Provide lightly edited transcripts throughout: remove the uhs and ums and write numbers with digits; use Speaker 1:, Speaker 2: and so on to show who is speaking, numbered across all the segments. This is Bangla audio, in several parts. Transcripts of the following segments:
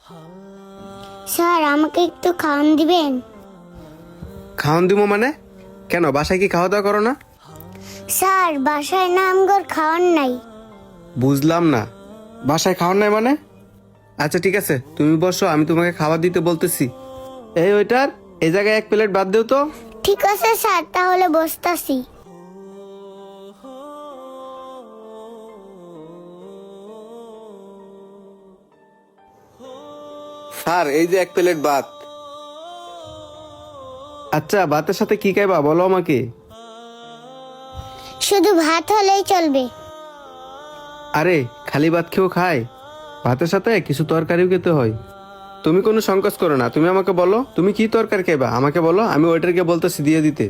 Speaker 1: স্যার আমাকে একটু খাওয়ান দিবেন?
Speaker 2: খাওয়ান দিব মানে? কেন, বাসায় কি খাওয়া দাওয়া করো না?
Speaker 1: স্যার বাসায় না আমগর খাওয়ান নাই।
Speaker 2: বুঝলাম না, বাসায় খাওয়ার নাই মানে? আচ্ছা ঠিক আছে, তুমি বসো, আমি তোমাকে খাবার দিতে বলতেছি। এই ওইটার, এই জায়গায় এক প্লেট বাদ দিও তো।
Speaker 1: ঠিক আছে স্যার, তাহলে বসতাছি।
Speaker 2: স্যার এই যে এক প্লেট ভাত। আচ্ছা ভাতের সাথে কি খাইবা বলো আমাকে?
Speaker 1: শুধু ভাত হলেই চলবে।
Speaker 2: আরে খালি ভাত খেয়েও খায়, ভাতের সাথে কিছু তরকারিও খেতে হয়। তুমি কোনো সংকোচ করো না, তুমি আমাকে বলো তুমি কি তরকারি খাইবা, আমাকে বলো, আমি ওয়েটারকে বলতেছি দিয়ে দিতে।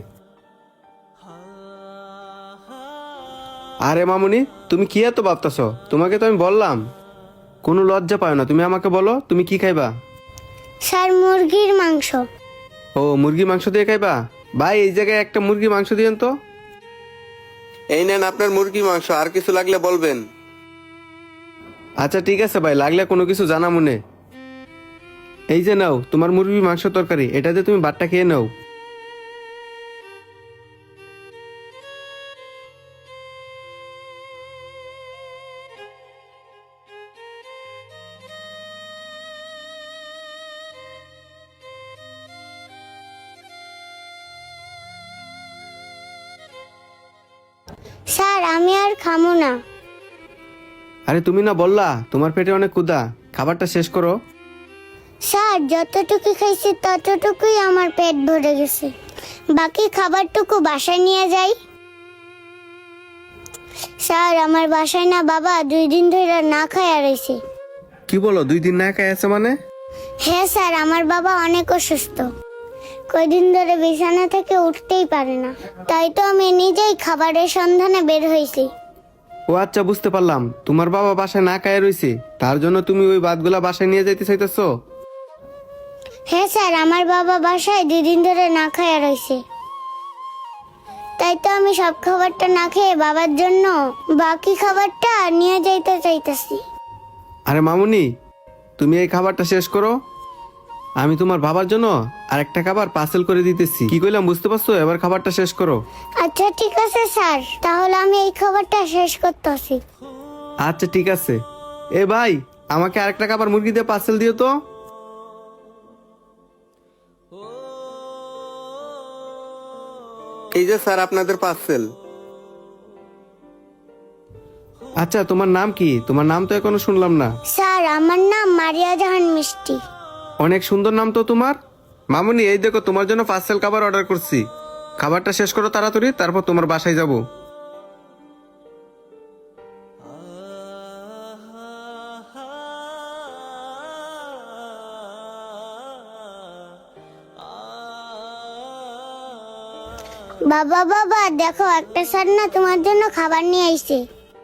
Speaker 2: আরে মামুনি, তুমি কি এত ভাবতেছ? তোমাকে তো আমি বললাম, কোনো লজ্জা পাও না, তুমি আমাকে বলো তুমি কি খাইবা।
Speaker 1: স্যার মুরগির মাংস।
Speaker 2: ও মুরগি মাংস দিয়ে খাইবা? ভাই এই জায়গায় একটা মুরগি মাংস দিয়েন তো। এই নেন আপনার মুরগি মাংস, আর কিছু লাগলে বলবেন। আচ্ছা ঠিক আছে ভাই, লাগলে কোনো কিছু জানা মনে। এই যে নাও তোমার মুরগি মাংস তরকারি, এটা দিয়ে তুমি ভাতটা খেয়ে নাও।
Speaker 1: স্যার আমি আর খামো না।
Speaker 2: আরে তুমি না বললা তোমার পেটে অনেক ক্ষুধা, খাবারটা শেষ করো।
Speaker 1: স্যার যতটুকু খাইছি ততটুকুই আমার পেট ভরে গেছে, বাকি খাবারটুকু বাসায় নিয়ে যাই। স্যার আমার বাসায় না বাবা 2 দিন ধরে না খায়া রয়েছে।
Speaker 2: কি বলো, 2 দিন না খাই আছে মানে?
Speaker 1: হ্যাঁ স্যার, আমার বাবা অনেক অসুস্থ, কয়দিন ধরে বিছানা থেকে উঠতেই পারে না। তাই তো আমি নিজেই খাবারের সন্ধানে বের হয়েছি।
Speaker 2: ও আচ্ছা বুঝতে পারলাম, তোমার বাবা বাসায় না খায় রয়েছে, তার জন্য তুমি ওই ভাতগুলা বাসায় নিয়ে যাইতে চাইতেছো।
Speaker 1: হ্যাঁ স্যার, আমার বাবা বাসায় 2 দিন ধরে না খায়া রয়েছে, তাই তো আমি সব খাবারটা না খেয়ে বাবার জন্য বাকি খাবারটা নিয়ে যাইতে চাইতেছি।
Speaker 2: আরে মামুনি, তুমি এই খাবারটা শেষ করো, আমি তোমার বাবার জন্য আরেকটা খাবার পার্সেল করে দিতেছি। কি কইলাম বুঝতে পারছো? এবার খাবারটা শেষ করো।
Speaker 1: আচ্ছা ঠিক আছে স্যার, তাহলে আমি এই খাবারটা শেষ করতেছি।
Speaker 2: আচ্ছা ঠিক আছে। এ ভাই, আমাকে আরেকটা খাবার মুরগি দিয়ে পার্সেল দিও তো। এই যে স্যার আপনাদের পার্সেল। আচ্ছা তোমার নাম কি? তোমার নাম তো এখনো শুনলাম না।
Speaker 1: স্যার আমার নাম মারিয়া জাহান মিষ্টি।
Speaker 2: অনেক সুন্দর নাম তো তোমার। মামুনি এই দেখো, তোমার জন্য পার্সেল খাবার অর্ডার করছি, খাবারটা শেষ করো তাড়াতাড়ি, তারপর তোমার বাসায় যাব।
Speaker 1: বাবা বাবা দেখো, একটা স্যার না তোমার জন্য খাবার নিয়ে আইছে।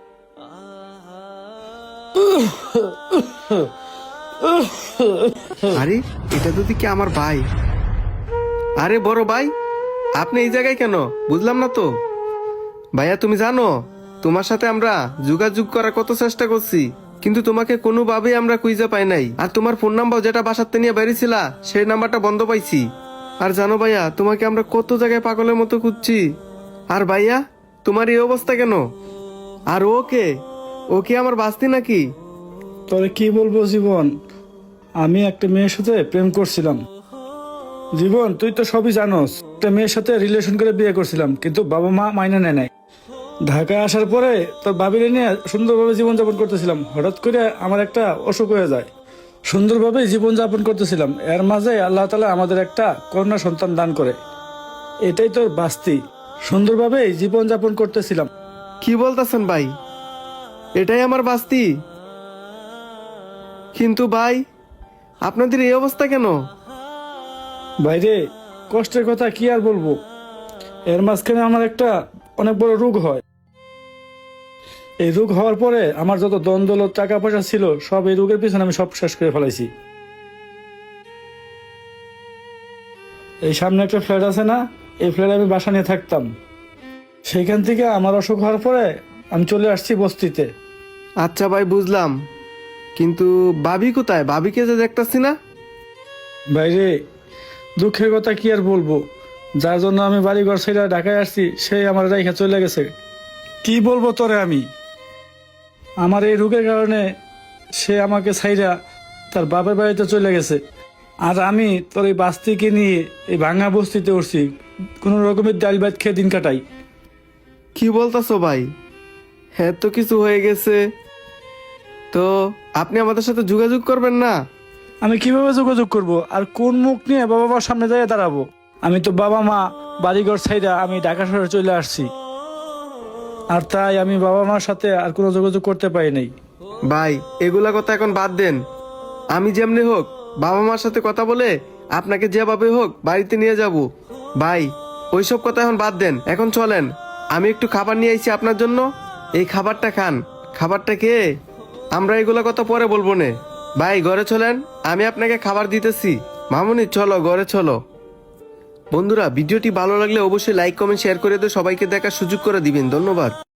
Speaker 2: আরে এটা তো দেখি আমার ভাই। আরে বড় ভাই, আপনি এই জায়গায় কেন বুঝলাম না তো। ভাইয়া তুমি জানো, তোমার সাথে আমরা যোগাযোগ করার কত চেষ্টা করছি, কিন্তু তোমাকে কোনোভাবেই আমরা খুঁজে পাই নাই। আর তোমার ফোন নাম্বার যেটা বাসাতে নিয়ে বেরিয়েছিলা, সেই নাম্বারটা বন্ধ পাইছি। আর জানো ভাইয়া, তোমাকে আমরা কত জায়গায় পাগলের মতো খুঁজছি। আর ভাইয়া তোমার এই অবস্থা কেন? আর ওকে ওকে আমার বাস্তি নাকি?
Speaker 3: তবে কি বলবো জীবন, আমি একটা মেয়ের সাথে প্রেম করছিলাম। জীবন তুই তো সবই জানোস, একটা মেয়ের সাথে রিলেশন করে বিয়ে করছিলাম, কিন্তু বাবা মা মাইনে নেয় নাই। ঢাকায় আসার পরে তোর বাবিরে নিয়ে সুন্দরভাবে জীবনযাপন করতেছিলাম, হঠাৎ করে আমার একটা অসুখ হয়ে যায়। সুন্দরভাবে জীবনযাপন করতেছিলাম, এর মাঝে আল্লাহ তাআলা আমাদের একটা কন্যা সন্তান দান করে। এটাই তোর বাস্তি, সুন্দরভাবে জীবনযাপন করতেছিলাম।
Speaker 2: কি বলতেছেন ভাই, এটাই আমার বাস্তি? কিন্তু ভাই আপনাদের এই অবস্থা কেন?
Speaker 3: বাইরে কষ্টের কথা কি আর বলবো, এর মাঝখানে আমার একটা অনেক বড় রোগ হয়। এই রোগ হওয়ার পরে আমার যত ধন দৌলত টাকা পয়সা ছিল সব এই রোগের পিছনে আমি সব শেষ করে ফেলাইছি। এই সামনে একটা ফ্ল্যাট আছে না, এই ফ্ল্যাটে আমি বাসা নিয়ে থাকতাম। সেইখান থেকে আমার অসুখ হওয়ার পরে আমি চলে আসছি বস্তিতে।
Speaker 2: আচ্ছা ভাই বুঝলাম, কিন্তু ভাবি কোথায়? ভাবিকে যে দেখতাছি না।
Speaker 3: বাইরে দুঃখের কথা কি আর বলবো, যার জন্য আমি বাড়িঘর ছেড়ে ঢাকায় আসছি সেই আমার রেখা চলে গেছে। কি বলবো তোরে আমি, আমার এই রোগের কারণে সে আমাকে ছাইরা তার বাপের বাড়িতে চলে গেছে। আর আমি তোর এই বাস্তিকে নিয়ে এই ভাঙা বস্তিতে উঠছি, কোনো রকমের ডাল ভাত খেয়ে দিন কাটাই।
Speaker 2: কি বলতাছো ভাই? হ্যাঁ, তো কিছু হয়ে গেছে। তো আপনি আমাদের সাথে যোগাযোগ করবেন না?
Speaker 3: আমি কিভাবে যোগাযোগ করব আর কোন মুখ নিয়ে বাবা মার সামনে দাঁড়িয়ে দাঁড়াবো? আমি তো বাবা মা বাড়িঘর ছাইরা আমি ঢাকা শহরে চলে আসছি, আর তাই আমি বাবা মার সাথে আর কোনো যোগাযোগ করতে পারি নাই।
Speaker 2: ভাই, এগুলা কথা এখন বাদ দেন। আমি যেমনি হোক বাবা মার সাথে কথা বলে আপনাকে যেভাবে হোক বাড়িতে নিয়ে যাব। ভাই, ওইসব কথা এখন বাদ দেন, এখন চলেন। আমি একটু খাবার নিয়ে আইছি আপনার জন্য, এই খাবারটা খান। খাবারটা খেয়ে আমরা এগুলা কথা পরে বলবো নে। ভাই, ঘরে চলেন, আমি আপনাকে খাবার দিতেছি। মামুনি, চলো ঘরে চলো। বন্ধুরা, ভিডিওটি ভালো লাগলে অবশ্যই লাইক কমেন্ট শেয়ার করে দিয়ে সবাইকে দেখার সুযোগ করে দিবেন। ধন্যবাদ।